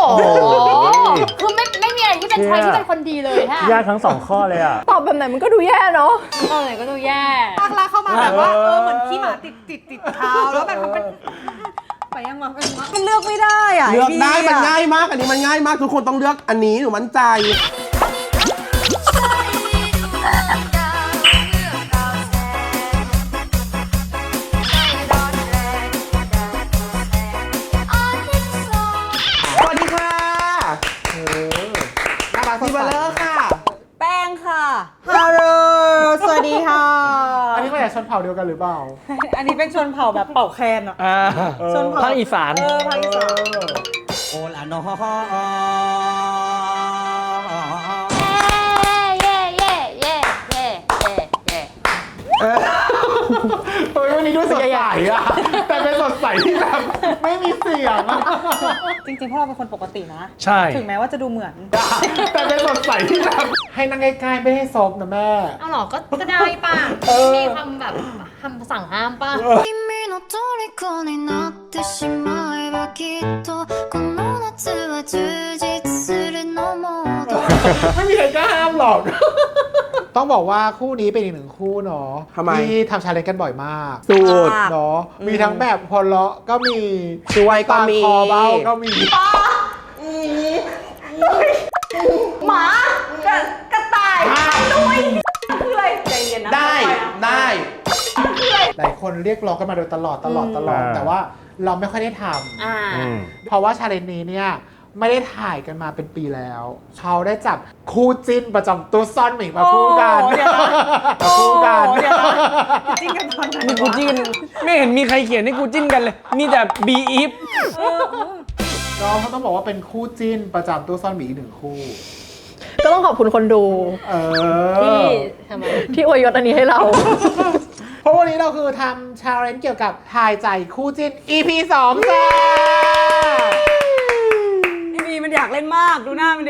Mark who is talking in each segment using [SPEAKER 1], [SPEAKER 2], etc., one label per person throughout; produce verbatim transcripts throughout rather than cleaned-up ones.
[SPEAKER 1] คือไม่ไม่มีอะไรที่เป็นชายที่เป็นคนดีเลยฮะ
[SPEAKER 2] ยากทั้งสองข้อเลยอ่ะ
[SPEAKER 3] ตอบแบบไหนมันก็ดูแย่เนาะ
[SPEAKER 1] ตอบไหนก็ดูแย่
[SPEAKER 4] ภาคแรกเข้ามาแบบว่าเออเหมือนขี้หมาติดติดติดเท้าแล้วแบบมันเป็นไปยังวะมันเลือกไม่ได้อ่ะ
[SPEAKER 5] เลือกได้มันง่ายมากอันนี้มันง่ายมากทุกคนต้องเลือกอันนี้หนูมั่นใจสวัสดีค่ะเออน่ารักที่เบลเลอร์ค่ะ
[SPEAKER 4] แป้งค่ะฮัลโหลสวัสดีค่ะ
[SPEAKER 6] อันนี้มาจากชนเผ่าเดียวกันหรือเปล่า
[SPEAKER 4] อันนี้เป็นชนเผ่าแบบเป่าแคนอ่ะ
[SPEAKER 2] ชนเผ่าภาคอีสาน
[SPEAKER 4] เออภาคอีสาน
[SPEAKER 5] โอลาโน
[SPEAKER 1] เย่เย่เย่เย่เย่เย่
[SPEAKER 6] เฮ้ยวันนี้ดูสดใสอะแต่เป็นสดใสที่แบบไม่มีเสียงอะ
[SPEAKER 4] จริงๆพวกเราเป็นคนปกตินะ
[SPEAKER 2] ใช่
[SPEAKER 4] ถึงแม้ว่าจะดูเหมือน
[SPEAKER 6] แต่เป็นสดใสที่แบบให้นั่งใกล้ๆไม่ให้ซบนะแม่
[SPEAKER 1] เอาหรอก็ก็ได้ป่ะมีคำแบบคำสั่งห้ามป่ะ
[SPEAKER 6] ไม่มีใครกล้าห้ามหรอกต้องบอกว่าคู่นี้เป็นอีกหนึ่งคู่เนาะที่ทำชาเลนจ์กันบ่อยมาก
[SPEAKER 5] สูตร
[SPEAKER 6] เนาะมีทั้งแบบพอเลาะก็มี
[SPEAKER 5] ช่วยก็มี
[SPEAKER 6] คอเบ้าก็มี
[SPEAKER 4] หมากระต่ายด้วยคืออะไรใจเย็นนะ
[SPEAKER 5] ได้ได้
[SPEAKER 6] หลายคนเรียกร้องกันมาโดยตลอดตลอดตลอดแต่ว่าเราไม่ค่อยได้ทำเพราะว่าชาเลนจ์นี้เนี่ยไม่ได้ถ่ายกันมาเป็นปีแล้วเขาได้จับคู่จิ้นประจำตัวซ่อนหมิงมาคู่กันมาคู่กัน
[SPEAKER 4] จิ้นกันตอนไหน
[SPEAKER 2] มีกูจิ้นไม่เห็นมีใครเขียนให้กูจิ้นกันเลยมีแต่บีอีฟ
[SPEAKER 6] น้องเขาต้องบอกว่าเป็นคู่จิ้นประจำตัวซ่อนหมิงอีกหนึ่งคู่
[SPEAKER 3] ก็ต้องขอบคุณคนดู
[SPEAKER 1] ที่ทำไม
[SPEAKER 3] ที่อวยยศอันนี้ให้เรา
[SPEAKER 6] เพราะวันนี้เราคือทำชาเลนจ์เกี่ยวกับทายใจคู่จิ้น อี พี สองจ้า
[SPEAKER 4] มันอยากเล่นมากดูหน้ามันดิ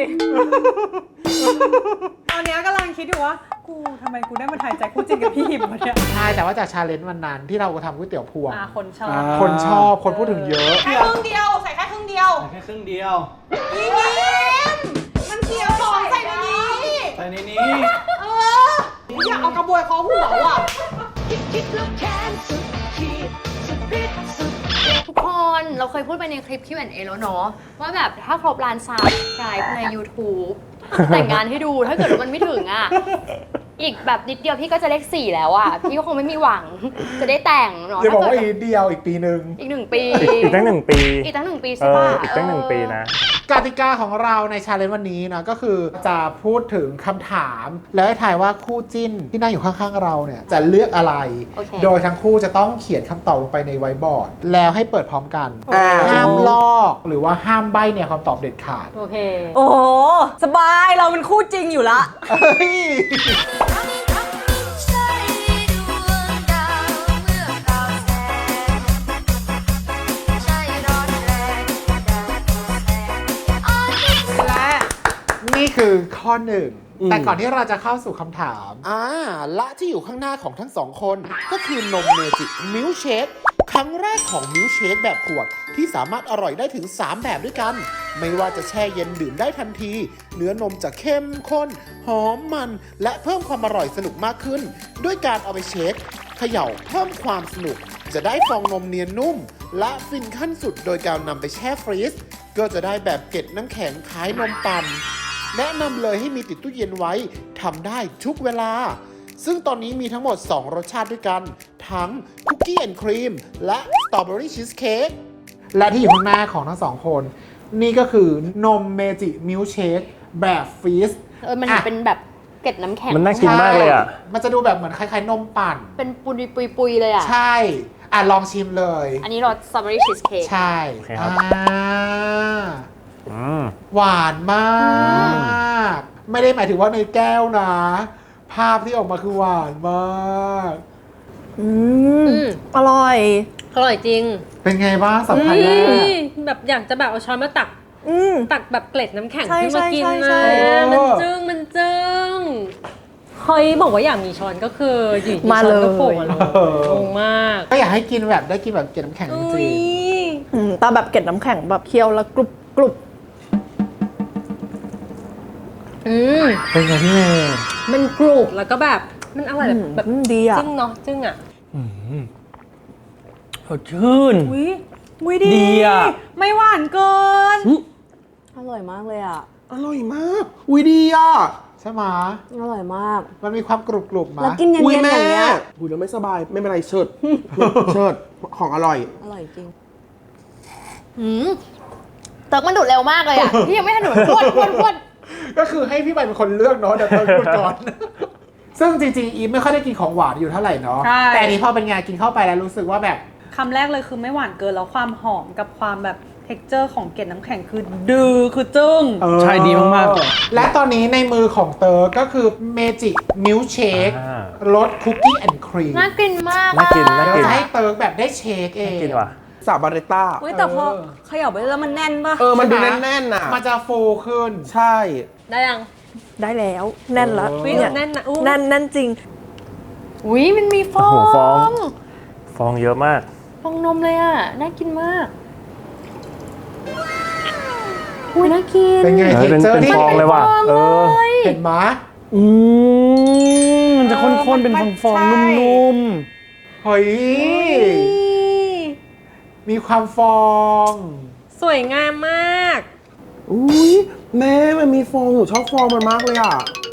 [SPEAKER 4] ตอนนี้กำลังคิดอยู่ว่ากูทำไมกูได้มาถ่ายใจคู่จริงกับพี่หิมวะเนี่ย
[SPEAKER 6] ใช่แต่ว่าจากชาเลนจ์วันนั้นที่เราทำก๋วยเตี๋ยวพวง
[SPEAKER 4] คนชอบ
[SPEAKER 6] คนชอบคนพูดถึงเยอะ
[SPEAKER 4] แค่ครึ่งเดียวใส่แค่ครึ่งเดียว
[SPEAKER 2] ใส่แค่ครึ่งเดียว
[SPEAKER 4] พี่หิมมันเคี้ยวของใส่ในนี้
[SPEAKER 2] ใส่ในนี้
[SPEAKER 4] เอออยากเอากระบวยคอหัวอ่ะ
[SPEAKER 1] ทุกคนเราเคยพูดไปในคลิป คิว แอนด์ เอ แล้วเนาะว่าแบบถ้าครบล้านซับสไครป์ใน YouTube แต่งงานให้ดูถ้าเกิดว่ามันไม่ถึงอ่ะอีกแบบนิดเดียวพี่ก็จะเลขสี่แล้วอ่ะพี่ก็คงไม่มีหวังจะได้แต่งเนาะ
[SPEAKER 6] จะบอกว่าอีกเดียวอีกปีหนึ่ง
[SPEAKER 1] อีกหนึ่งปี
[SPEAKER 2] อีกตั้งหนึ่งปี
[SPEAKER 1] อีกตั้งหนึ่งปีใช่ป่ะ
[SPEAKER 2] อีกตั้งหนึ่งปีนะ
[SPEAKER 6] กติกาของเราในชาเลนจ์วันนี้นะก็คือจะพูดถึงคำถามแล้วให้ทายว่าคู่จิ้นที่นั่งอยู่ข้างๆเราเนี่ยจะเลือกอะไร
[SPEAKER 1] okay.
[SPEAKER 6] โดยทั้งคู่จะต้องเขียนคำตอบลงไปในไวท์บอร์ดแล้วให้เปิดพร้อมกันห้ามลอกหรือว่าห้ามใบ้เนี่ยคำตอบเด็ดขาด
[SPEAKER 1] โอเค
[SPEAKER 4] โอ้โหสบายเราเป็นคู่จริงอยู่ละ
[SPEAKER 6] นี่คือข้อหนึ่งแต่ก่อนที่เราจะเข้าสู่คำถาม
[SPEAKER 5] อ่าและที่อยู่ข้างหน้าของทั้งสองคนก็คือนมเมจิมิลค์เชคครั้งแรกของมิลค์เชคแบบขวดที่สามารถอร่อยได้ถึงสามแบบด้วยกันไม่ว่าจะแช่เย็นดื่มได้ทันทีเนื้อนมจะเข้มข้นหอมมันและเพิ่มความอร่อยสนุกมากขึ้นด้วยการเอาไปเชคเขย่าเพิ่มความสนุกจะได้ฟองนมเนียนนุ่มและฟินขั้นสุดโดยการนำไปแช่ฟรีซก็จะได้แบบเกล็ดน้ำแข็งคล้ายนมปั่นแนะนำเลยให้มีติดตู้เย็นไว้ทำได้ทุกเวลาซึ่งตอนนี้มีทั้งหมดสองรสชาติด้วยกันทั้งคุกกี้แอนด์ครีมและสตรอเบอรี่ชีสเค้ก
[SPEAKER 6] และที่อยู่ข้างหน้าของทั้งสองคนนี่ก็คือนมเมจิมิลค์เชคแบบฟรีซ
[SPEAKER 1] เออมันเป็นแบบเกล็ดน้ำแข็ง
[SPEAKER 2] มันน่ากินมากเลยอ่ะ
[SPEAKER 6] มันจะดูแบบเหมือนคล้ายๆนมปั่น
[SPEAKER 1] เป็นปุยปุยปุยเลยอ่ะ
[SPEAKER 6] ใช่อ่ะลองชิมเลย
[SPEAKER 1] อันนี้รสสตรอเบอรี่ชีสเค้ก
[SPEAKER 6] ใช่อ่าหวานมากไม่ได้หมายถึงว่าในแก้วนะภาพที่ออกมาคือหวานมาก
[SPEAKER 3] อืมอร่อย
[SPEAKER 1] อร่อยจริง
[SPEAKER 6] เป็นไงบ้างสัมผัสแรก
[SPEAKER 1] แบบอยากจะแบบเอาช้อนมาตักตักแบบเกล็ดน้ำแข็งขึ้นมากินนะมันจึ้งมันจึ้งเฮ้ยบอกว่าอยากมีช้อนก็คืออยู่ที่ช้อนก็โผล่มาเลยงงมาก
[SPEAKER 6] ก็อยากให้กินแบบได้กินแบบเกล็ดน้ำแข็งจริง
[SPEAKER 3] ตาแบบเกล็ดน้ำแข็งแบบเคี้ยวแล้วกรุบกรุบ
[SPEAKER 1] อืม
[SPEAKER 6] เป็นไงพี่เมย์
[SPEAKER 4] มันกรุบแล้วก็แบบมันอร่อยแบบแบบ
[SPEAKER 3] อืมดีอ่ะ
[SPEAKER 4] จึ้งเนาะจึ้งอ่ะ
[SPEAKER 2] สดชื่น
[SPEAKER 4] อุ้ยอุ้ยดี
[SPEAKER 2] ดีอะ
[SPEAKER 4] ไม่หวานเกิน
[SPEAKER 3] อร่อยมากเลยอ่ะ
[SPEAKER 7] อร่อยมาก อุ้ยดีอ่ะ
[SPEAKER 6] ใช่ไหม
[SPEAKER 3] อร่อยมาก
[SPEAKER 6] มันมีความกรุบกรุบมา
[SPEAKER 3] แล้วกินเย็น
[SPEAKER 7] อุ้ย
[SPEAKER 3] ๆอ
[SPEAKER 7] แม่
[SPEAKER 3] ย่างเงี้ย
[SPEAKER 7] อุ้ยเราไม่สบายไม่เป็นไรเชิด เชิดของอร่อย
[SPEAKER 3] อร่อยจริง
[SPEAKER 1] อืมเติร์กมันดูดเร็วมากเลยอ่ะ พี่ยังไม่ทันดูดพรวดพรวดพรวด
[SPEAKER 6] ก็คือให้พี่ใบเป็นคนเลือกเนาะเดี๋ยวเติร์พูดก่อน ซึ่งจริงๆอีฟไม่ค่อยได้กินของหวานอยู่เท่าไหร่เนาะ
[SPEAKER 4] ใช่
[SPEAKER 6] แต่อันนี้พอเป็นไงานกินเข้าไปแล้วรู้สึกว่าแบบ
[SPEAKER 4] คำแรกเลยคือไม่หวานเกินแล้วความหอมกับความแบบ texture ของเกล็ดน้ำแข็งคือดือคือจึ้ง
[SPEAKER 6] เออ
[SPEAKER 2] ใช่ดีมากๆ
[SPEAKER 6] และตอนนี้ในมือของเติร์ก็คือเมจิมิลเชค
[SPEAKER 8] อ่าร
[SPEAKER 6] สคุกกี้แอนด์ครีม
[SPEAKER 1] น่ากินมาก
[SPEAKER 8] น่ากินน่า
[SPEAKER 6] เดี๋ยว
[SPEAKER 8] กิน
[SPEAKER 6] จะให้เติร์แบบได้เชคเอง
[SPEAKER 8] กินว่ะ
[SPEAKER 7] สาบาเรต้า
[SPEAKER 3] อุ้ยแต่พอเขย่าไปแล้วมันแน่นป่ะ
[SPEAKER 7] เออ มันดู
[SPEAKER 6] ใช่ไหม
[SPEAKER 7] แน่นๆน่ะ
[SPEAKER 6] มันจะฟูขึ้น
[SPEAKER 7] ใช่
[SPEAKER 4] ได้ยัง
[SPEAKER 3] ได้แล้ว แน่นละ
[SPEAKER 4] อุ๊ย
[SPEAKER 3] เนี่ย
[SPEAKER 4] แน่นนะอู้
[SPEAKER 3] แน่นแน่นจริง
[SPEAKER 1] อุ้ยมันมีฟอ
[SPEAKER 8] โอ้
[SPEAKER 1] ง
[SPEAKER 8] โหฟอง ฟองเยอะมาก
[SPEAKER 1] ฟองนมเลยอ่ะ น่ากินมาก อุ้ยน่ากิน
[SPEAKER 6] เป็นไง
[SPEAKER 8] เออ
[SPEAKER 6] เท็ก
[SPEAKER 8] เป็น
[SPEAKER 6] เจอร์
[SPEAKER 8] เป็น
[SPEAKER 6] ที่
[SPEAKER 8] ฟองเลยว่ะ เออ
[SPEAKER 6] เห็นไหม
[SPEAKER 2] อืมมันจะข้นๆ เป็นฟองๆ นุ่ม
[SPEAKER 6] เฮ้ย มีความฟอง
[SPEAKER 4] สวยงามมาก
[SPEAKER 7] อุ้ยแม่มันมีฟองหนูชอบฟองมันมากเลยอ่ะ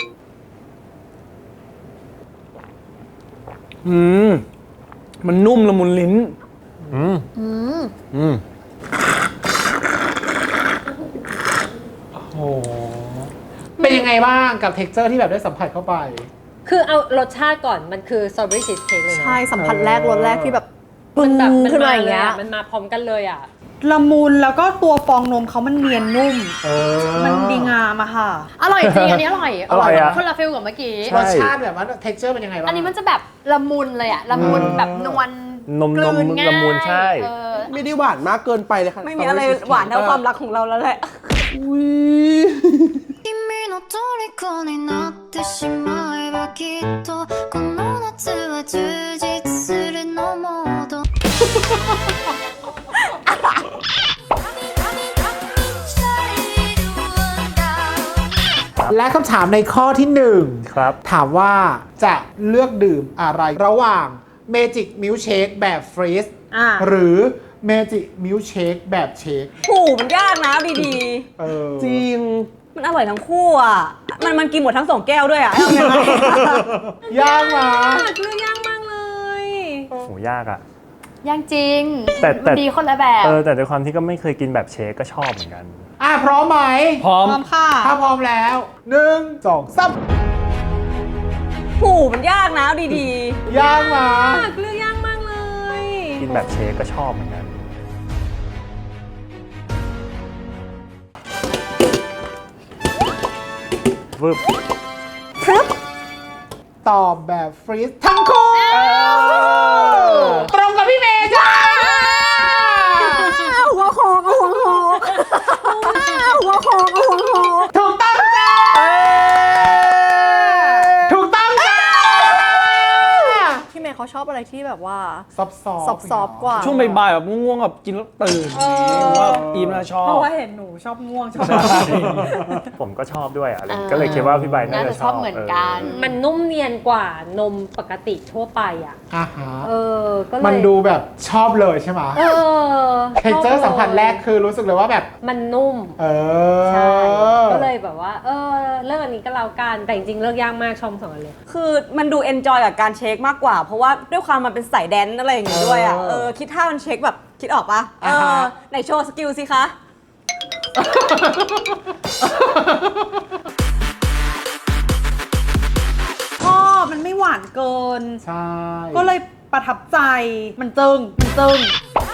[SPEAKER 2] ๆ อืม มันนุ่มละมุนลิ้น
[SPEAKER 8] อืม
[SPEAKER 1] อืม
[SPEAKER 8] อืม
[SPEAKER 6] โอ้โห เป็นยังไงบ้างกับเท็กเจอร์ที่แบบได้สัมผัสเข้าไป
[SPEAKER 4] คือเอารสชาติก่อนมันคือสตรอเบอรี่ชีสเค้กเลยเนาะ
[SPEAKER 3] ใช่สัมผัสแรกรสแรกที่แบบปึ้
[SPEAKER 4] มั
[SPEAKER 3] ง
[SPEAKER 4] นแบบมัน
[SPEAKER 3] ขึ้นมา
[SPEAKER 4] มา
[SPEAKER 3] อย่าง
[SPEAKER 4] เลย
[SPEAKER 3] เงี้ย
[SPEAKER 4] อะมันมาพร้อมกันเลยอ่ะละมุนแล้วก็ตัวฟองนมเขามันเนียนนุ่ม
[SPEAKER 6] เออ
[SPEAKER 4] มันดีงามอะค่ะ
[SPEAKER 1] อร่อยจริง อันนี้อร่อย
[SPEAKER 8] อร่อยอะ
[SPEAKER 1] คนละฟิลกับเมื่อกี้
[SPEAKER 8] ใช่
[SPEAKER 6] รสชาติแบบว่าเท็กเจอร์เป็นยังไงบ้าง
[SPEAKER 1] อันนี้มันจะแบบละมุนเลยอะละมุนแบบนวล
[SPEAKER 8] นม
[SPEAKER 1] กลื
[SPEAKER 8] นม
[SPEAKER 1] ง่าย
[SPEAKER 8] ละมุนใช่
[SPEAKER 1] เออ
[SPEAKER 7] ไม่ได้หวานมากเกินไปเลยค่ะ
[SPEAKER 3] ไม่มีอะไรหวานเท่าความรักของเราแล้วแหละ
[SPEAKER 7] อุ้ย
[SPEAKER 9] 君の虜になってしまえばきっとこの夏は充実するのモード
[SPEAKER 6] และคำถามในข้อที่หนึ่ง
[SPEAKER 8] ครับ
[SPEAKER 6] ถามว่าจะเลือกดื่มอะไรระหว่างเมจิกมิลเชคแบบฟรีซ
[SPEAKER 4] อ่า
[SPEAKER 6] หรือเมจิกมิลเชคแบบเชค
[SPEAKER 3] ผูมันยากนะดี
[SPEAKER 6] เออ
[SPEAKER 7] จริง
[SPEAKER 3] ๆ มันอร่อยทั้งคู่อ่ะ มันมันกินหมดทั้งสองแก้วด้วยอ่ะเอาไงล่ะ
[SPEAKER 6] ยากมา
[SPEAKER 4] เลือกยากมากเลย
[SPEAKER 8] โหยากอ่ะ
[SPEAKER 1] ยังจริง
[SPEAKER 8] แต่แต่
[SPEAKER 1] มันดีคนละแบบ
[SPEAKER 8] เออ แต่ด้วยความที่ก็ไม่เคยกินแบบเชคก็ชอบเหมือนกัน
[SPEAKER 6] อ่ะพร้อมไหม
[SPEAKER 2] พร้อม
[SPEAKER 4] พร้อมค่ะ
[SPEAKER 6] ถ้าพร้อมแล้วหนึ่งสองสาม
[SPEAKER 3] ผูมันยากนะดี
[SPEAKER 6] ยากมา
[SPEAKER 4] เลือกยากมากเลย
[SPEAKER 8] กินแบบเชคก็ชอบเหมือนกันวึบ
[SPEAKER 6] ตอบแบบฟรีซทั้งคู่ตรงกับพี่เมย์จ้า
[SPEAKER 3] ๆหัวโขกหัวโขกหัวโขกหัวโขก
[SPEAKER 6] ถูกต้องจ้าถูกต้องจ้า
[SPEAKER 3] พี่เมย์เขาชอบอะไรที่แบบว่า
[SPEAKER 6] ซอฟซอ
[SPEAKER 3] ซอฟซอฟกว่า
[SPEAKER 2] ช่วงบ่ายๆแบบง่วงๆแบบกินแล้วตื่นนี่ว่าอีมน่าชอบ
[SPEAKER 4] เพราะว่าเห็นหนูชอบง่วงชอบ
[SPEAKER 8] ผมก็ชอบด้วยอะไร
[SPEAKER 1] อ่า
[SPEAKER 8] ก็เลยคิดว่าพี่ใบน่า
[SPEAKER 1] น่า
[SPEAKER 8] จะ
[SPEAKER 1] จะ
[SPEAKER 8] ช
[SPEAKER 1] ช
[SPEAKER 8] อ
[SPEAKER 1] อ
[SPEAKER 8] บบ
[SPEAKER 1] เหมือนกัน
[SPEAKER 4] มันนุ่มเนียนกว่านมปกติทั่วไปอ่ะ
[SPEAKER 6] อ่าฮะ
[SPEAKER 4] เออ ก็เลย
[SPEAKER 6] มันดูแบบชอบเลยใช่ไหม
[SPEAKER 4] เออ
[SPEAKER 6] เท็กเจอร์สัมผัสแรกคือรู้สึกเลยว่าแบบ
[SPEAKER 4] มันนุ่ม
[SPEAKER 6] เออ
[SPEAKER 4] ใช่ ก็เลยแบบว่า เออ เลิกอันนี้ก็แล้วกัน แต่จริงๆเลิกยากมากชมสองอันเลย
[SPEAKER 3] คือมันดูเอนจอยกับการเช็คมากกว่า เพราะว่าด้วยความมันเป็นสายแดนซ์อะไรอย่างงี้ด้วยอ่ะ เออ คิดท่ามันเช็คแบบคิดออกปะเออไหนโชว์สกิลสิคะ
[SPEAKER 4] ชอบมันไม่หวานเกิน
[SPEAKER 6] ใช่
[SPEAKER 4] ก็เลยประทับใจ มันจึงมันจึง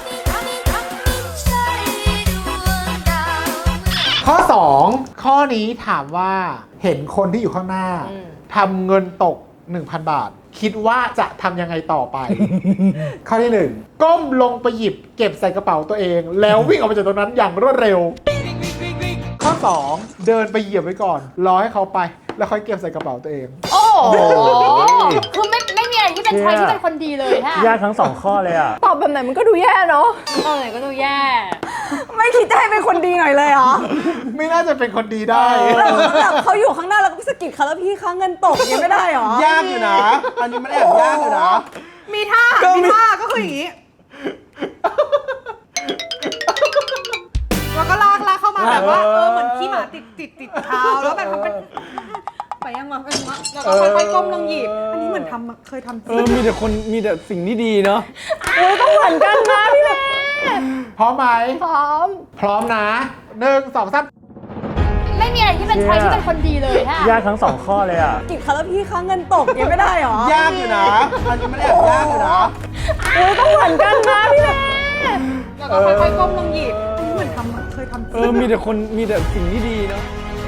[SPEAKER 6] ข้อสองข้อนี้ถามว่าเห็นคนที่อยู่ข้างหน้า
[SPEAKER 4] อืม
[SPEAKER 6] ทำเงินตก หนึ่งพัน บาท คิดว่าจะทำยังไงต่อไป ข้อที่หนึ่งก้มลงไปหยิบเก็บใส่กระเป๋าตัวเอง แล้ววิ่งออกไปจากตรงนั้นอย่างรวดเร็ว ข้อสองเดินไปเหยียบไว้ก่อน รอให้เขาไป แล้วค่อยเก็บใส่กระเป๋าตัวเอง
[SPEAKER 1] โอ้โหคือไม่ไม่มีอะไรที่เป็นใครที่เป็นคนดีเลยฮะ
[SPEAKER 8] ยากทั้งสองข้อเลยอ่ะ
[SPEAKER 3] ตอบแบบไหนมันก็ดูแย่เนาะ
[SPEAKER 1] เออก็ดูแย่
[SPEAKER 3] ไม่คิดจะให้เป็นคนดีหน่อยเลยเหรอ
[SPEAKER 6] ไม่น่าจะเป็นคนดีได้
[SPEAKER 3] แบบเขาอยู่ข้างหน้าแล้วก็สะกิดเขาแล้วพี่คะเงินตกอย่างเงี้ยไม่ได้เหรอ
[SPEAKER 7] ยากอยู่นะ อันนี้มันแอบยากอยู่นะ
[SPEAKER 4] มีท่า
[SPEAKER 7] ก็มี
[SPEAKER 4] มีท่าก็คืออย่างนี้แล้วก็ลากลากเข้ามาแบบว่าเออเหมือนขี้หมาติดติดติดเท้าแล้วแบบมันเป็นไปยังวะไปยังวะแล้วก็ค่อยๆก้มลงหยิบอันนี้เหมือนทำมาเคยทำจ
[SPEAKER 2] เอ
[SPEAKER 4] ริ
[SPEAKER 2] อง มีแต่คนมีแต่สิ่งที่ดีเนาะ
[SPEAKER 3] เหมือนกันนะพี่แม่
[SPEAKER 6] พร้อมไหม
[SPEAKER 1] พร้อม
[SPEAKER 6] พร้อมนะหนึ่งสองสาม
[SPEAKER 1] ไม่มีอะไรที่เป็นใครที่เป็นคนดีเลยฮะ
[SPEAKER 8] ยากทั้งสองข้อเลยอ่ะ
[SPEAKER 3] สะกิดเขาแล้วพี่คะเงินตกอย่างเงี้ยไม่ได้เหรอ
[SPEAKER 7] ยากอยู่นะ อันนี้มันแอบยากอยู่นะ
[SPEAKER 3] เหมือนกันนะพี่แม่
[SPEAKER 4] แล้วก็ค่อยๆก้มลงหยิบอันนี้เหมือนทำมาเคยทำจ
[SPEAKER 2] เอ
[SPEAKER 4] ริ
[SPEAKER 2] อง มีแต่คนมีแต่สิ่งที่ดีเนาะ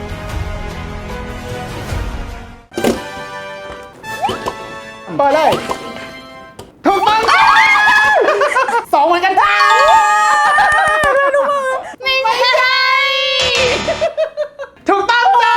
[SPEAKER 6] เปิดเลยถูกต้องสองเหมือนกันจ้า
[SPEAKER 1] ไม่ใช่
[SPEAKER 6] ถูกต้องจ้า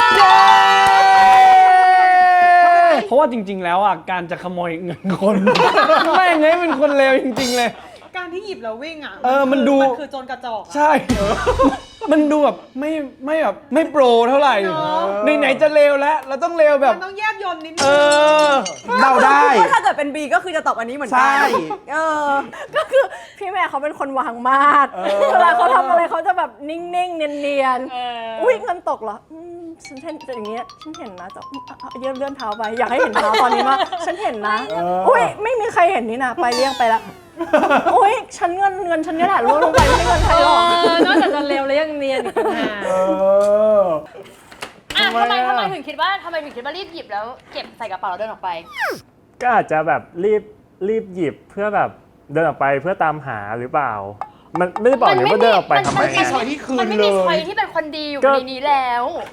[SPEAKER 2] เพราะว่าจริง ๆ แล้วอ่ะการจะขโมยเงินคน ไม่ไงเป็นคนเลวจริง ๆ เลย
[SPEAKER 4] การที่หยิบแล้ววิ่งอ่ะ
[SPEAKER 2] เออมันดู
[SPEAKER 4] มันคือโจรกระจอกอะ
[SPEAKER 2] ใช่ มันดูแบบไม่ไม่แบบไม่โปรเท่าไหร่ในไหนๆจะเลวแล้วเราต้องเลวแบบ
[SPEAKER 4] มันต้องแยบยนต์นิดนึ
[SPEAKER 2] เอง อ
[SPEAKER 7] เดาได้
[SPEAKER 3] คิว่าถ้าเกิดเป็น B ก็คือจะตอบอันนี้เหมือนกั
[SPEAKER 7] ใช่
[SPEAKER 3] เออ ก็คือพี่แม่เขาเป็นคนวางมาดเวลาเขาทำอะไรเขาจะแบบนิ่งๆ เนียนๆ อุ้ยเงินตกเหรออืมฉันเห็นอย่างเงี้ย ฉันเห็นนะจะอืมเอาเอาเลื่อนเลื่อนเท้าไป อยากให้เห็นเท้าตอนนี้มากฉันเห็นนะ อุ้ยไม่มีใครเห็นนี่นะ ไปเลี่ยงไปละอุ้ยฉันเงินเงินฉันเนี่ยแหละล่วงลงไปไม่ใช่เงินใครหรอก
[SPEAKER 4] นอกจากจะเร็วแล้วยังเนียนอีกต่างหาก
[SPEAKER 6] เออ
[SPEAKER 1] อ่ะ
[SPEAKER 2] ทำไม
[SPEAKER 1] ทำไม
[SPEAKER 2] อ่ะ
[SPEAKER 1] ทำไมถึงคิดว่าทำไมถึงคิดว่ารีบหยิบแล้วเก็บใส่กระเป๋าแล้วเดินออกไป
[SPEAKER 8] ก็อาจจะแบบรีบรีบหยิบเพื่อแบบเดินออกไปเพื่อตามหาหรือเปล่า มันไม่ได้บอกเนี่ยว่าเดินออกไปทำไม
[SPEAKER 6] ไม่มี
[SPEAKER 8] ไง
[SPEAKER 6] ช้อยที่คืน
[SPEAKER 1] มันไม่
[SPEAKER 6] เล
[SPEAKER 1] มีใคร
[SPEAKER 6] ย
[SPEAKER 1] ที่เป็นคนดีอยู่
[SPEAKER 8] ก็
[SPEAKER 1] ในนี้แล้ว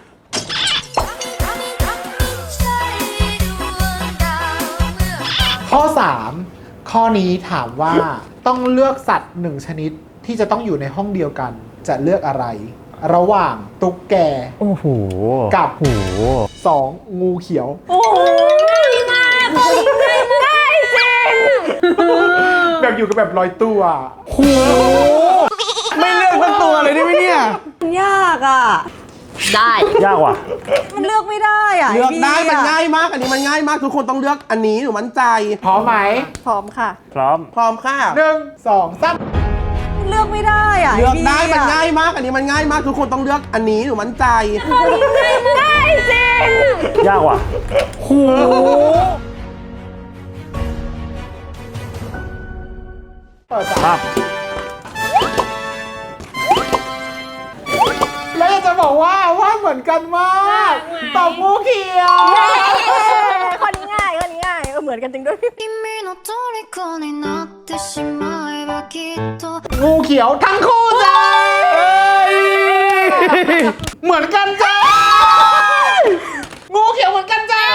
[SPEAKER 6] ข้อสามข้อนี้ถามว่าต้องเลือกสัตว์หนึ่งชนิดที่จะต้องอยู่ในห้องเดียวกัน จะเลือกอะไร ระหว่างตุ๊กแก
[SPEAKER 8] โอ้โห
[SPEAKER 6] กับ
[SPEAKER 8] โอ้โห
[SPEAKER 6] สองงูเขียว
[SPEAKER 3] โอ้ยง่ายมากง่ายง่ายจริง
[SPEAKER 6] แบบอยู่กับแบบลอยตัว
[SPEAKER 2] โหไม่เลือกสักตัวเลยได้ไหมเนี่ย
[SPEAKER 3] มันยากอ่ะ
[SPEAKER 1] ได้
[SPEAKER 8] ยากว่ะ
[SPEAKER 3] มันเลือกไม่ได้อ่ะ
[SPEAKER 7] เลือกได้
[SPEAKER 3] อ้
[SPEAKER 7] มัน
[SPEAKER 3] อะ
[SPEAKER 7] ง่ายมาก อันนี้มันง่ายมาก ทุกคนต้องเลือกอันนี้หนูมั่นใจ
[SPEAKER 6] พร้อมไหม
[SPEAKER 3] พร้อมค่ะ
[SPEAKER 8] พร้อม
[SPEAKER 7] พร้อมค่ะ
[SPEAKER 6] หนึ่งสองสาม
[SPEAKER 3] มันเลือกไม่ได้อ่ะ
[SPEAKER 7] เลือกได้
[SPEAKER 3] อ้
[SPEAKER 7] มัน
[SPEAKER 3] อะ
[SPEAKER 7] ง่ายมาก อันนี้มันง่ายมาก ทุกคนต้องเลือกอันนี้หนูมั่นใจ
[SPEAKER 3] ง่ายจริง
[SPEAKER 8] ยากว่ะ
[SPEAKER 2] โห
[SPEAKER 6] เปิดจ้ะ
[SPEAKER 8] ครับ
[SPEAKER 6] แล้วอยากจะบอกว่าว่าเหมือนกันมากตอบงูเขียว
[SPEAKER 3] ข้อนี้ง่ายข้อนี้ง่ายเออเหมือนกันจริงด้วย
[SPEAKER 9] 君の虜になってしまえばきっと
[SPEAKER 6] งูเขียวทั้งคู่จ้าเหมือนกันจ้างูเขียวเหมือนกันจ้า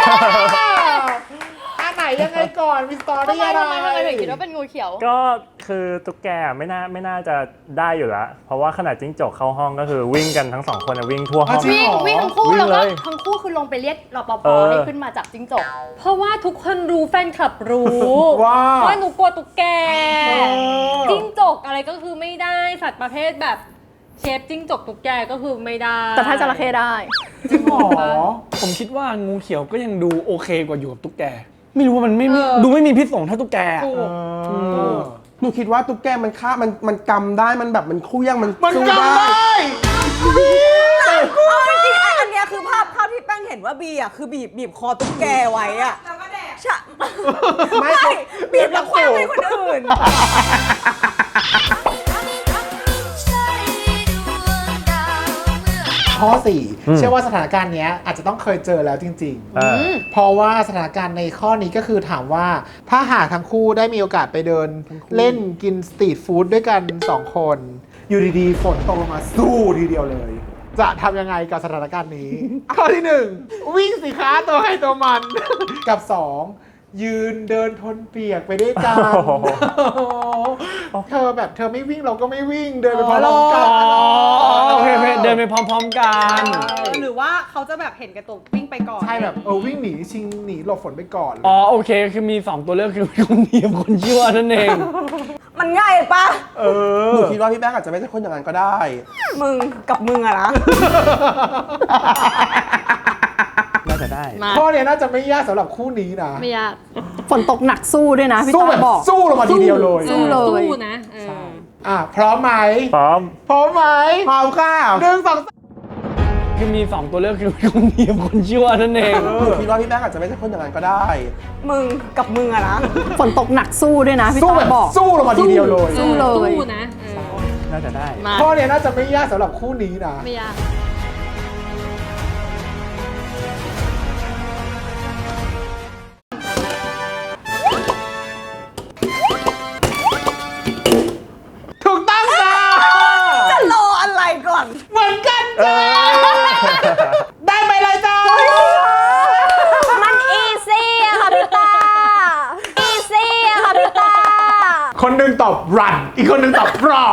[SPEAKER 6] อันไหนยังไงก่อนมีสตอ
[SPEAKER 1] ทำ
[SPEAKER 6] รี่
[SPEAKER 1] ไม
[SPEAKER 6] อะไร
[SPEAKER 1] ทำไมทำไมถึงคิดว่าเป็นงูเขียว
[SPEAKER 8] ก็คือตุ๊กแกไม่น่าไม่น่าจะได้อยู่แล้ว เพราะว่าขนาดจิ้งจกเข้าห้องก็คือวิ่งกันทั้งสองคนอะวิ่งทั่วห้อง
[SPEAKER 1] วิ่งวิ่งทั้งคู่
[SPEAKER 8] วิ่ง
[SPEAKER 1] แล้วก็
[SPEAKER 8] เลย
[SPEAKER 1] ทั้งคู่คือลงไปเรียกรปภ
[SPEAKER 8] เออ
[SPEAKER 1] ให้ขึ้นมาจับจิ้งจก
[SPEAKER 4] เพราะว่าทุกคนรู้แฟนคลับรู้
[SPEAKER 6] ว่า
[SPEAKER 4] ว่าหนูกลัวตุ๊กแก
[SPEAKER 6] เออ
[SPEAKER 4] จิ้งจกอะไรก็คือไม่ได้สัตว์ประเภทแบบเชฟจิ้งจกตุ๊กแกก็คือไม่ได้
[SPEAKER 3] แต่ถ้าจระเข้ได้
[SPEAKER 6] จริงเหรอ
[SPEAKER 2] ผมคิดว่างูเขียวก็ยังดูโอเคกว่าอยู่กับตุ๊กแก ไม่รู้ว่ามันไม่ไม่ดูไม่มีพิษสงเท่าตุ๊กแกอะ
[SPEAKER 4] ถูก
[SPEAKER 6] เออ
[SPEAKER 7] หนูคิดว่าตุ๊กแกมันฆ่ามันมันกำได้มันแบบมันเคลี้ยงมัน
[SPEAKER 6] มัน
[SPEAKER 7] สู้
[SPEAKER 6] จำได้
[SPEAKER 3] เอาจริงๆอันเนี้ยคือภาพภาพที่แป้งเห็นว่าบีอ่ะคือบีบบีบคอตุ๊กแกไว้อ่ะแล้วก็แดกใช่ไม่บีบแล้วคว้างให้คนอื่น
[SPEAKER 6] ข้อสี่เชื่อว่าสถานการณ์เนี้ยอาจจะต้องเคยเจอแล้วจริง
[SPEAKER 8] เออ
[SPEAKER 6] ๆ เพราะว่าสถานการณ์ในข้อนี้ก็คือถามว่าถ้าหากทั้งคู่ได้มีโอกาสไปเดินเล่นกินสตรีทฟู้ดด้วยกันสองคน อยู่ดีๆฝนตกลงมาสู้ทีเดียวเลย จะทำยังไงกับสถานการณ์นี้ ข้อที่หนึ่งวิ่งสิคะตัวใครตัวมัน กับสองยืนเดินทนเปียกไปด้วยกัน เธอแบบเธอไม่วิ่งเราก็ไม่วิ่งเดินไปพร้อมๆกัน
[SPEAKER 2] อ๋อโอเคโอเคเดินไปพร้อมๆกัน
[SPEAKER 4] หรือว่าเขาจะแบบเห็นแกระตุกวิ่งไปก่อน
[SPEAKER 6] ใช่แบบเออวิ่งหนีชิงหนีหลบฝนไปก่อน
[SPEAKER 2] อ๋อโอเคคือมีสองตัวเลือกคือคนดีกับคนชั่วนั่นเอง
[SPEAKER 3] มันง่ายปะ
[SPEAKER 7] เออหนูคิดว่าพี่แป้งอาจจะไม่ใช่คนอย่างนั้นก็ได้
[SPEAKER 3] มึงกับมึงอะนะ
[SPEAKER 8] น่าจะได้
[SPEAKER 1] มา
[SPEAKER 6] ข้อเนี้ยน่าจะไม่ยากสำหรับคู่นี้นะ
[SPEAKER 1] ไม่ยาก
[SPEAKER 3] ฝนตกหนักสู้ด้วยนะพี่
[SPEAKER 6] สู้
[SPEAKER 3] ตา
[SPEAKER 6] แบบ
[SPEAKER 3] บอก
[SPEAKER 6] สู้ลงมาทีเดียวเลย
[SPEAKER 3] สู้เลย
[SPEAKER 1] สู้นะเออ
[SPEAKER 6] อ่ะพร้อมไหม
[SPEAKER 8] พร้อม
[SPEAKER 6] พร้อมไหม
[SPEAKER 7] พร้อมค่ะ
[SPEAKER 6] หนึ่งสองสาม
[SPEAKER 2] คือมีสองตัวเลือกคือคนดีกับคนชั่วนั่นเอง
[SPEAKER 7] หนูคิดว่าพี่แป้งอาจจะไม่ใช่คนอย่างนั้นก็ได้
[SPEAKER 3] มึงกับมึงอะนะ ฝนตกหนักสู้ด้วยนะพี่
[SPEAKER 6] สู้
[SPEAKER 3] ตา
[SPEAKER 6] แบบ
[SPEAKER 3] บอก
[SPEAKER 6] สู้ลงมาทีเดียวเลย
[SPEAKER 3] สู้เลย
[SPEAKER 1] สู้นะเออ
[SPEAKER 8] น่าจะได้
[SPEAKER 1] มา
[SPEAKER 6] ข้อเนี้ยน่าจะไม่ยากสำหรับคู่นี้นะ
[SPEAKER 1] ไม่ยาก
[SPEAKER 6] ถูกต้องจ้า
[SPEAKER 3] จะรออะไรก่อน
[SPEAKER 6] เหมือนกันจ้าได้ไปเลยจ้า
[SPEAKER 3] มันอีซี่อะค่ะพี่ตา อีซี่อะค่ะพี่ตา
[SPEAKER 6] คนหนึ่งตอบ run อีกคนหนึ่งตอบ raw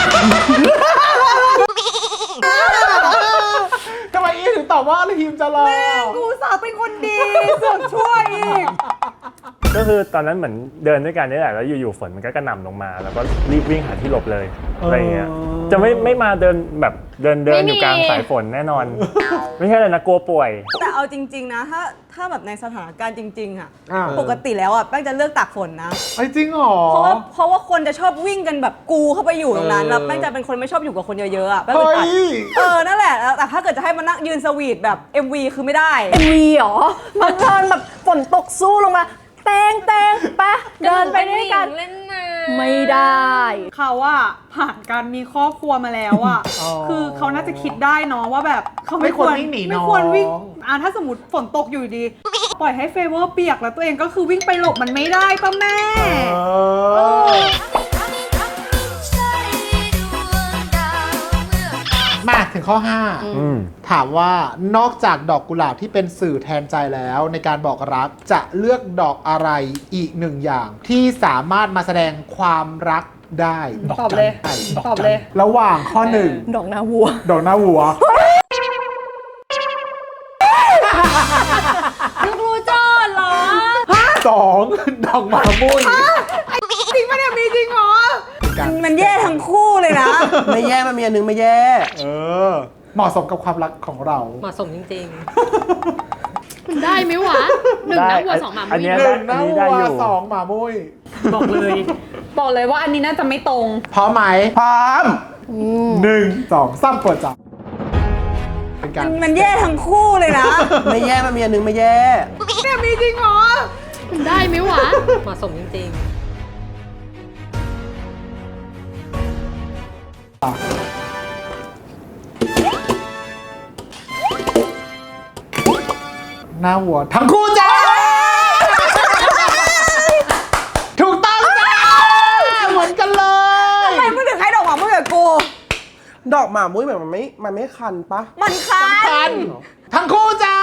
[SPEAKER 6] ทำไมอีถึงตอบว่าทีมจะรอ
[SPEAKER 4] กูสาวเป็นคนดีเสือกช่วยอีก
[SPEAKER 8] ก็คือตอนนั้นเหมือนเดินด้วยกันนี่แหละแล้วอยู่ๆฝนมันก็กระหน่ำลงมา แล้วก็รีบวิ่งหาที่หลบเลยอะไรเงี้ยจะไม่ไม่มาเดินแบบเดินเดินอยู่กลางสายฝนแน่นอน ไม่ใช่เลยนะกลัวป่วย
[SPEAKER 10] แต่เอาจริง ๆ นะ ถ้าถ้าแบบในสถานการณ์จริง ๆ อ่ะ
[SPEAKER 6] อ่า
[SPEAKER 10] ปกติแล้วอ่ะแป้งจะเลือกตากฝนนะ
[SPEAKER 6] ไอ้จริงเหรอ
[SPEAKER 10] เพราะว่าเพราะว่าคนจะชอบวิ่งกันแบบกูเข้าไปอยู่ตรงนั้น
[SPEAKER 6] เออ
[SPEAKER 10] แล้วแป้งจะเป็นคนไม่ชอบอยู่กับคนเยอะๆอ่ะแป้ง
[SPEAKER 6] เฮ้
[SPEAKER 10] อึดอัด
[SPEAKER 6] ย
[SPEAKER 10] เออ นั่นแหละแล้วแต่ถ้าเกิดจะให้มานั่งยืนสวีทแบบ เอ็ม วี คือไม่ได้
[SPEAKER 3] เอ็มวีเหรอมาเดินแบบฝนตกสู้ลงมาแตงแตงไปะเดินไปด้วยกัน
[SPEAKER 1] เล่นน้
[SPEAKER 3] ไม่ได้
[SPEAKER 4] เขาอะผ่านการมีครอบครัวมาแล้วอะ
[SPEAKER 6] อ๋อ
[SPEAKER 4] คือเขาน่าจะคิดได้เนาะว่าแบบเขา
[SPEAKER 6] ไม่ควรวิ่งหนี
[SPEAKER 4] ไม่
[SPEAKER 6] น้อง
[SPEAKER 4] ควรวิ่งอ่ะถ้าสมมติฝนตกอยู่ดี ปล่อยให้เฟเวอร์เปียกแล้วตัวเองก็คือวิ่งไปหลบมันไม่ได้ป่ะแม่
[SPEAKER 6] เออมาถึงข้อ ห้า
[SPEAKER 8] อืม
[SPEAKER 6] ถามว่านอกจากดอกกุหลาบที่เป็นสื่อแทนใจแล้วในการบอกรักจะเลือกดอกอะไรอีกหนึ่งอย่าง ที่สามารถมาแสดงความรักได้
[SPEAKER 4] ตอบเลย
[SPEAKER 6] ได้
[SPEAKER 4] ตอบเลย
[SPEAKER 6] ระหว่างข้อหนึ่ง
[SPEAKER 3] ดอกนาวัว
[SPEAKER 6] ดอกหน้าวัว
[SPEAKER 1] ำลูกรู้โจทย์เหรอ
[SPEAKER 6] สองดอกหมามุ้ย
[SPEAKER 4] จริงปะเนี่ยมีจริงเหรอ
[SPEAKER 10] มันแย่ทั้งคู่เลยนะ
[SPEAKER 7] ไม่แย่มันมีอันนึงไม่แย่
[SPEAKER 6] เออ เหมาะสมกับความรักของเรา
[SPEAKER 1] เหมาะสมจริงๆ มันได้ไหมวะหนึ่ง
[SPEAKER 8] ได้
[SPEAKER 1] นะวัวสองหมา
[SPEAKER 8] อัน
[SPEAKER 1] มุ้
[SPEAKER 8] เนี้
[SPEAKER 1] ย
[SPEAKER 8] ย
[SPEAKER 6] หนึ่งหน้า
[SPEAKER 8] อันนี้
[SPEAKER 6] วั
[SPEAKER 8] ได้อยู่
[SPEAKER 6] วสองหมามุ้ย
[SPEAKER 4] บอกเลย บอกเลยว่าอันนี้น่าจะไม่ตรง
[SPEAKER 6] พร้อมไหม
[SPEAKER 7] พร้อม
[SPEAKER 6] หนึ่งสองสามเปิดจับเป็นการ
[SPEAKER 10] มันแย่ทั้งคู่เลยนะ
[SPEAKER 7] ไม่แย่มันมีอันนึงไม่แย่
[SPEAKER 4] เนี่ยมีจริงเหรอ
[SPEAKER 1] มันได้ไหมวะ เหมาะสมจริง
[SPEAKER 6] หน้าวัวทั้งคู่จ้า ถูกต้องจ้า เหมือนกันเลย
[SPEAKER 10] ทำไมมึงถึงให้ดอกหมาเมื่อกับกู
[SPEAKER 7] ดอกหมามุ้ยเหมือนมันไม่ มันไม่คันปะ
[SPEAKER 10] มันคัน
[SPEAKER 6] ทั้งคู่จ้า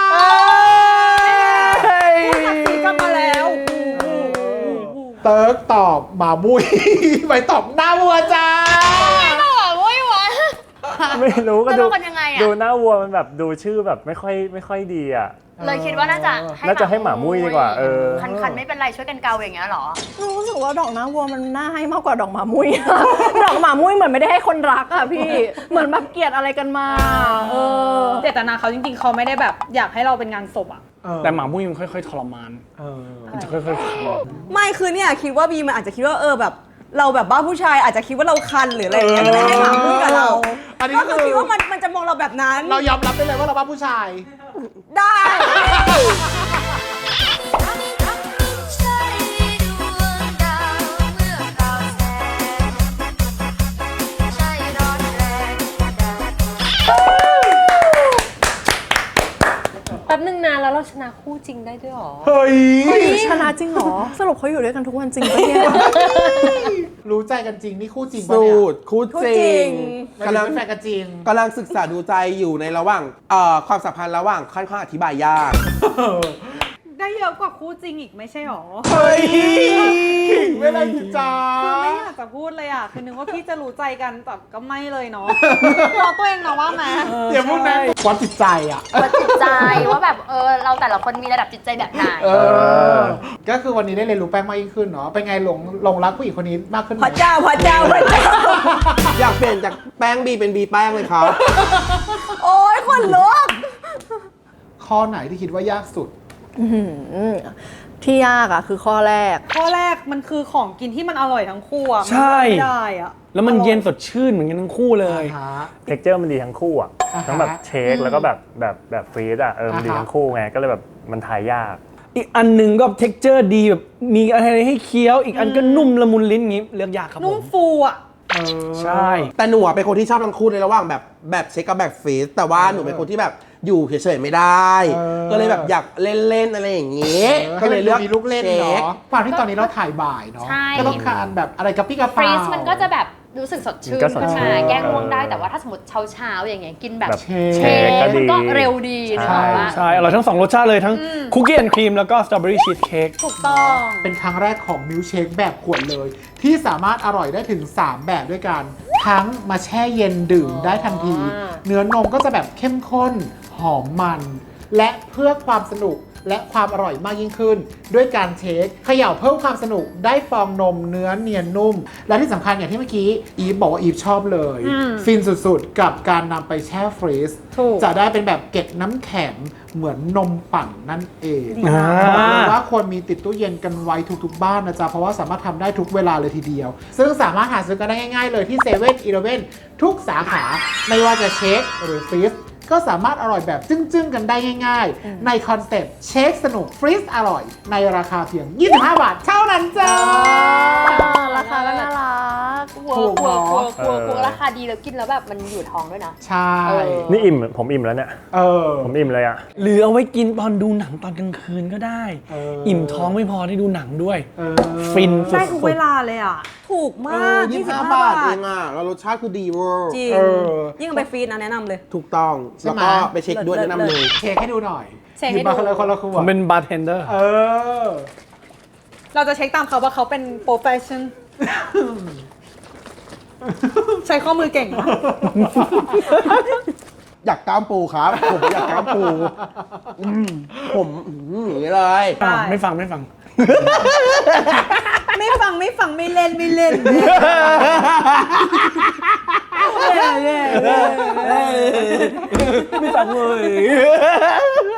[SPEAKER 4] สีกลับมาแล้ว
[SPEAKER 6] เติร์กตอบหมามุ้ย ไปตอบหน้าวัวจ้า
[SPEAKER 1] ๆหมามุ้ยวะ
[SPEAKER 8] ไม่รู้ก็ดู
[SPEAKER 1] แล้วมันยังไงอะ
[SPEAKER 8] ดูหน้าวัวมันแบบดูชื่อแบบไม่ค่อยไม่ค่อยดีอ่ะ
[SPEAKER 1] เลยคิดว่าน่าจะให้
[SPEAKER 8] น่าจะให้หมามุ้ยดีกว่าเออ
[SPEAKER 1] คันๆไม่เป็นไรช่วยกันเกาอย่างเงี้ยเหรอ
[SPEAKER 3] รู้สึกว่าดอกนาวัวมันน่าให้มากกว่าดอกหมามุ้ย ดอกหมามุ้ยเหมือนไม่ได้ให้คนรักอะพี่ เหมือนแบบเกลียดอะไรกันมา เออ
[SPEAKER 4] เจตนาเขาจริงๆ เขาไม่ได้แบบอยากให้เราเป็นงานศพอะ
[SPEAKER 2] แต่หมามุ้ยมันค่อยๆทรมาน
[SPEAKER 6] เออ
[SPEAKER 2] มันจะค่อยๆคัน
[SPEAKER 10] ไม่คือเนี่ยคิดว่าบีมันอาจจะคิดว่าเออแบบ เราแบบบ้าผู้ชายอาจจะคิดว่าเราคันหรืออะไรอย่างเงี้ยก็เลยให้หมามุ้ยกับเรา
[SPEAKER 6] อันนี้
[SPEAKER 10] ก็
[SPEAKER 6] คื
[SPEAKER 10] คือ
[SPEAKER 6] อ
[SPEAKER 10] คิดว่ามันมันจะมองเราแบบนั้น
[SPEAKER 6] เรายอมรับได้เลยว่าเราบ้าผู้ชาย
[SPEAKER 10] ได้
[SPEAKER 1] แป๊บนึงนะแล้วเราชนะคู่จริงได้ด้วยหรอ
[SPEAKER 6] เฮ้ย
[SPEAKER 3] ชนะจริงเหรอ สรุปเขาอยู่ด้วยกันทุกวันจริงปะเนี่ย
[SPEAKER 6] รู้ใจกันจริงนี่คู่จริงปะ
[SPEAKER 7] สู
[SPEAKER 6] เนี่ย
[SPEAKER 7] ตรคู่
[SPEAKER 10] คู่
[SPEAKER 7] จ
[SPEAKER 10] จริ
[SPEAKER 7] ริ
[SPEAKER 10] ง
[SPEAKER 7] ง
[SPEAKER 6] กำ
[SPEAKER 7] กำ
[SPEAKER 6] ลั
[SPEAKER 7] ลั
[SPEAKER 6] ง
[SPEAKER 7] ง
[SPEAKER 6] เป็นแฟนกันจริง
[SPEAKER 7] กำลังศึกษาดูใจอยู่ในระหว่างเอ่อความสัมพันธ์ระหว่างค่อนข้างอธิบายยาก
[SPEAKER 4] ได้เยอะกว่าคู่จริงอีกไม่ใช่หรอ
[SPEAKER 6] เฮ้ยขิงไม่ได้จิจ้า
[SPEAKER 4] คือไม่อยากจะพูดเลยอ่ะคือนึกว่าพี่จะรู้ใจกันแต่ก็ไม่เลยเนาะรอตัวเองเนาะว่าไหม
[SPEAKER 6] เดี๋ยวพวกนั้นวัดจิตใจอ่ะ
[SPEAKER 1] วัดจิตใจว่าแบบเออเราแต่ละคนมีระดับจิตใจแบบไหน
[SPEAKER 6] เออ ก็คือวันนี้ได้เรียนรู้แป้งมากยิ่งขึ้นเนาะ เป็นไงหลงหลงรักผู้หญิงคนนี้มากขึ้นไหม
[SPEAKER 10] พระเจ้าพระเจ้าพระเจ้า
[SPEAKER 7] อยากเปลี่ยนจากแป้งบีเป็นบีแป้งเลยครับ
[SPEAKER 10] โอ้ยคนลุก
[SPEAKER 6] ข้อไหนที่คิดว่ายากสุด
[SPEAKER 3] อื้อหือที่ยากอะคือข้อแรก
[SPEAKER 4] ข้อแรกมันคือของกินที่มันอร่อยทั้งคู่อ่ะ
[SPEAKER 2] ใช่
[SPEAKER 4] มันไม่ได้อ่ะ
[SPEAKER 2] แล้วมันเย็นสดชื่นเหมือนกันทั้งคู่เลย
[SPEAKER 8] เท็กเจอร์มันดีทั้งคู่อ่ะ
[SPEAKER 6] อ่าฮะ
[SPEAKER 8] ทั้งแบบเชคแล้วก็แบบแบบแบบฟรีดอ่ะเออมันดี
[SPEAKER 6] อ่าฮะ
[SPEAKER 8] ทั้งคู่ไงก็เลยแบบมันทายยาก
[SPEAKER 2] อีกอันหนึ่งก็เท็กเจอร์ดีแบบมีอะไรให้เคี้ยว อีกอันก็นุ่มละมุนลิ้นอย่างงี้เลือกยากครับผ
[SPEAKER 4] นุ่ม
[SPEAKER 2] ม
[SPEAKER 4] ฟูอ่ะ
[SPEAKER 2] ใช่
[SPEAKER 7] แต่หนูอะเป็นคนที่ชอบทั้งคู่ในระหว่างแบบแบบเช็คกับแบบฟรีซแต่ว่าหนูเป็นคนที่แบบอยู่เฉยๆไม่ได้
[SPEAKER 6] เออ
[SPEAKER 7] ก็เลยแบบอยากเล่นๆอะไรอย่างงี้
[SPEAKER 6] ก็เลยเลือกมีลูกเล่น
[SPEAKER 7] ช็ค
[SPEAKER 6] เนาะความที่ตอนนี้เราถ่ายบ่ายเนาะ
[SPEAKER 1] ใช่
[SPEAKER 6] ก็ต้องการแบบอะไรกับพี่กระ
[SPEAKER 1] ฟ
[SPEAKER 6] เป๋า
[SPEAKER 1] รีซมันก็จะแบบรู้สึกสดชื่น
[SPEAKER 8] มันก็สด
[SPEAKER 1] ขึ้น
[SPEAKER 8] ชื่
[SPEAKER 1] มาน แก้ง่วงได้แต่ว่าถ้าสมมติเช้าเช้าๆอย่างเงี้ยกินแบบ
[SPEAKER 8] แบบ
[SPEAKER 6] เช
[SPEAKER 1] เช
[SPEAKER 6] ค
[SPEAKER 1] ค
[SPEAKER 8] ก็ดี
[SPEAKER 1] มันก็เร็วดีนะ
[SPEAKER 8] ใช่
[SPEAKER 1] ว่า
[SPEAKER 2] ใช่อร่อยทั้งสองรสชาติเลยทั้งคุกกี้แอนด์ครีมแล้วก็สตรอเบอรี่ชีสเค้ก
[SPEAKER 1] ถูกต้อง
[SPEAKER 6] เป็นครั้งแรกของมิลค์เชคแบบขวดเลย ที่สามารถอร่อยได้ถึง สาม แบบด้วยกัน ทั้งมาแช่เย็นดื่มได้ทันที เนื้อนมก็จะแบบเข้มข้น หอมมัน และเพื่อความสนุกและความอร่อยมากยิ่งขึ้น ด้วยการเชคเขย่าเพิ่มความสนุกได้ฟองนมเนื้อเนียนนุ่ม และที่สำคัญอย่างที่เมื่อกี้อีฟบอกว่าอีฟชอบเลย ฟินสุดๆ กับการนำไปแช่ฟรีซ
[SPEAKER 4] ถูก
[SPEAKER 6] จะได้เป็นแบบเกล็ดน้ำแข็งเหมือนนมปั่นนั่นเอง
[SPEAKER 2] อ่า
[SPEAKER 6] บอกเลยว่าควรมีติดตู้เย็นกันไว้ทุกๆบ้านนะจ๊ะ เพราะว่าสามารถทำได้ทุกเวลาเลยทีเดียว ซึ่งสามารถหาซื้อกันได้ง่ายๆเลยที่เซเว่นอีเลฟเว่นทุกสาขา ไม่ว่าจะเชคหรือฟรีซก็สามารถอร่อยแบบจึ้งๆ กันได้ง่ายๆ ในคอนเซ็ปต์เชคสนุกฟรีซอร่อย ในราคาเพียง ยี่สิบห้า บาทเท่านั้นจ้า
[SPEAKER 3] ราคาก็น่ารัก
[SPEAKER 1] กลัว
[SPEAKER 6] ถูก
[SPEAKER 1] กลัว
[SPEAKER 6] เน
[SPEAKER 1] กลัว
[SPEAKER 6] อะ
[SPEAKER 1] กลัวกลัวราคาดีแล้วกินแล้วแบบมันอยู่ท้องด้วยนะ
[SPEAKER 6] ใช่
[SPEAKER 1] เออ
[SPEAKER 8] นี่อิ่มผมอิ่มแล้วเนี่ย
[SPEAKER 6] เออ
[SPEAKER 8] ผมอิ่มเลยอ่ะ
[SPEAKER 2] หรือเอาไว้กินตอนดูหนังตอนกลางคืนก็ได้
[SPEAKER 6] เอออิ่
[SPEAKER 2] อิ่มท้องไม่พอได้ดูหนังด้วย
[SPEAKER 6] เออ
[SPEAKER 2] ฟินสุ
[SPEAKER 4] ได้ทุก
[SPEAKER 2] ด
[SPEAKER 4] เวลาเลยอ่ะ
[SPEAKER 10] ถูก
[SPEAKER 7] เอ
[SPEAKER 10] มา
[SPEAKER 7] อก ยี่
[SPEAKER 10] ยี่
[SPEAKER 7] สิ
[SPEAKER 10] สิ
[SPEAKER 7] บบ ห้า
[SPEAKER 10] ห้า
[SPEAKER 7] บาท
[SPEAKER 10] บา
[SPEAKER 7] เอ
[SPEAKER 10] ท
[SPEAKER 7] งอ่ะแล้วรสชาติคือดีเวอร์
[SPEAKER 10] จริง
[SPEAKER 6] เออ
[SPEAKER 10] ยิ่งเอาไปฟรีดนะแนะนำเลย
[SPEAKER 7] ถูกต้อง
[SPEAKER 6] ใช่
[SPEAKER 7] แล้ว
[SPEAKER 6] ไหม
[SPEAKER 7] ก็ไปเช็คด้วย
[SPEAKER 10] เลิศ
[SPEAKER 7] แนะนำเลย
[SPEAKER 6] เชคให้ดูหน่อย
[SPEAKER 4] เช็ค
[SPEAKER 6] ห
[SPEAKER 4] ให้
[SPEAKER 6] ยิบมา
[SPEAKER 4] ดู
[SPEAKER 6] คนละคนละขว
[SPEAKER 2] ผม
[SPEAKER 6] ด
[SPEAKER 2] เป็นบาร์เทนเดอร์
[SPEAKER 6] เออ
[SPEAKER 4] เราจะเช็คตามเขาว่าเขาเป็นโปรเฟชชั่น ใช้ข้อมือเก่งนะ
[SPEAKER 7] อยากกล้ามปูครับ ผมอยากกล้ามปูอืมผมอืมอย่างนี้เลย
[SPEAKER 4] ได้
[SPEAKER 2] ไม่ฟังไม่ฟัง
[SPEAKER 4] ไม่ฟังไม่ฟังไม่เล่นไม่เล่น
[SPEAKER 2] ไม่ฟังเลย